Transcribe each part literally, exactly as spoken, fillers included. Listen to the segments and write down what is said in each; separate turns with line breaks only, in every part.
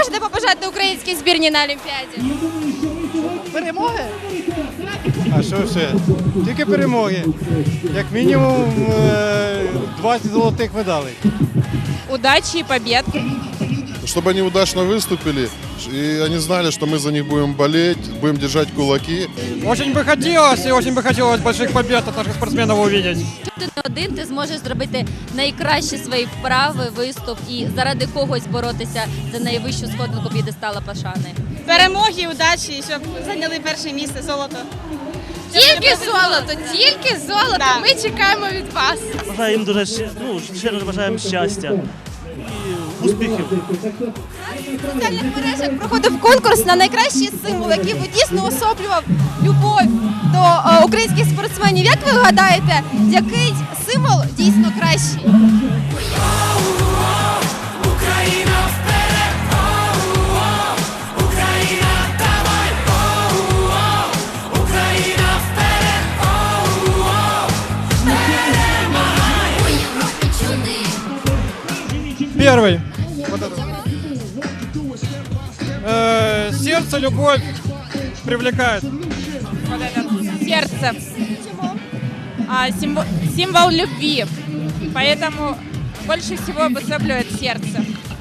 можете побажати українській збірній на Олімпіаді?
Перемоги?
А що ще? Тільки перемоги. Як мінімум е, двадцять золотих медалей.
Удачі і побед.
Чтобы они удачно выступили, и они знали, что мы за них будем болеть, будем держать кулаки.
Очень би хотілося, і очень би хотілося больших побед від наших спортсменів увидеть.
Ти не один, ти зможеш зробити найкращі свої вправи, виступ і заради когось боротися за найвищу сходинку п'єдестала пошани.
Перемоги, удачі, щоб зайняли перше місце, золото.
Тільки золото, тільки золото.
Да.
Ми чекаємо від вас.
Бажаю їм дуже щ- ну, щиро бажаємо щастя і успіхів.
В соціальних мережах проходив конкурс на найкращий символ, який би дійсно особлював любов до е, українських спортсменів. Як ви гадаєте, який символ дійсно кращий?
Первый. Вот это. Э, сердце, любовь привлекает.
Вот это сердце. А, символ, символ любви. Поэтому больше всего обособляет сердце.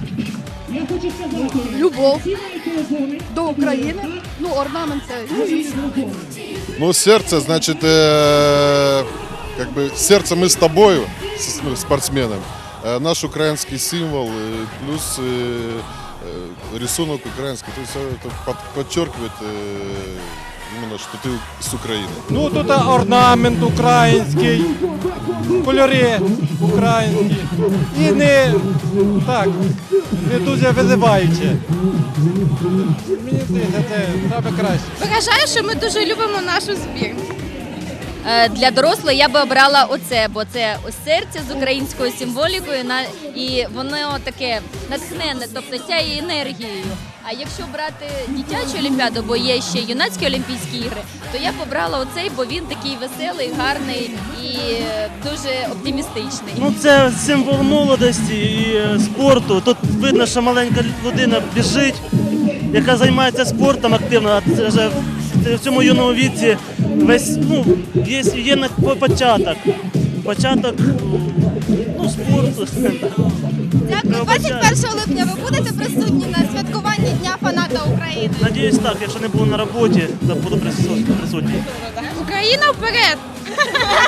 Любов до України. Ну, орнамент це.
Ну, сердце, значит, э, как бы сердце мы с тобою, с ну, спортсменом. Э, наш украинский символ, э, плюс э, э, рисунок украинский. То есть это под- подчеркивает э, именно, что ты с Украины.
Ну тут орнамент український, кольори українські. І не так, не дуже визиваюче. Мені здається, це саме краще.
Вважаю, що ми дуже любимо нашу збірну.
Е, Для дорослих я би обрала оце, бо це ось серце з українською символікою на- і воно таке натхненне, тобто сяє енергією. А якщо брати дитячу олімпіаду, бо є ще юнацькі олімпійські ігри, то я б обрала оцей, бо він такий веселий, гарний і е, дуже оптимістичний.
Ну, це символ молодості і е, спорту. Тут видно, що маленька людина біжить, яка займається спортом активно, а це вже в- в цьому юному віці весь, ну, є, є на- по- початок. Початок ну, спорту.
Дякую. двадцять першого липня ви будете присутні на святкуванні Дня фаната України.
Надіюсь, так, якщо не буду на роботі, то буду присутній.
Україна вперед!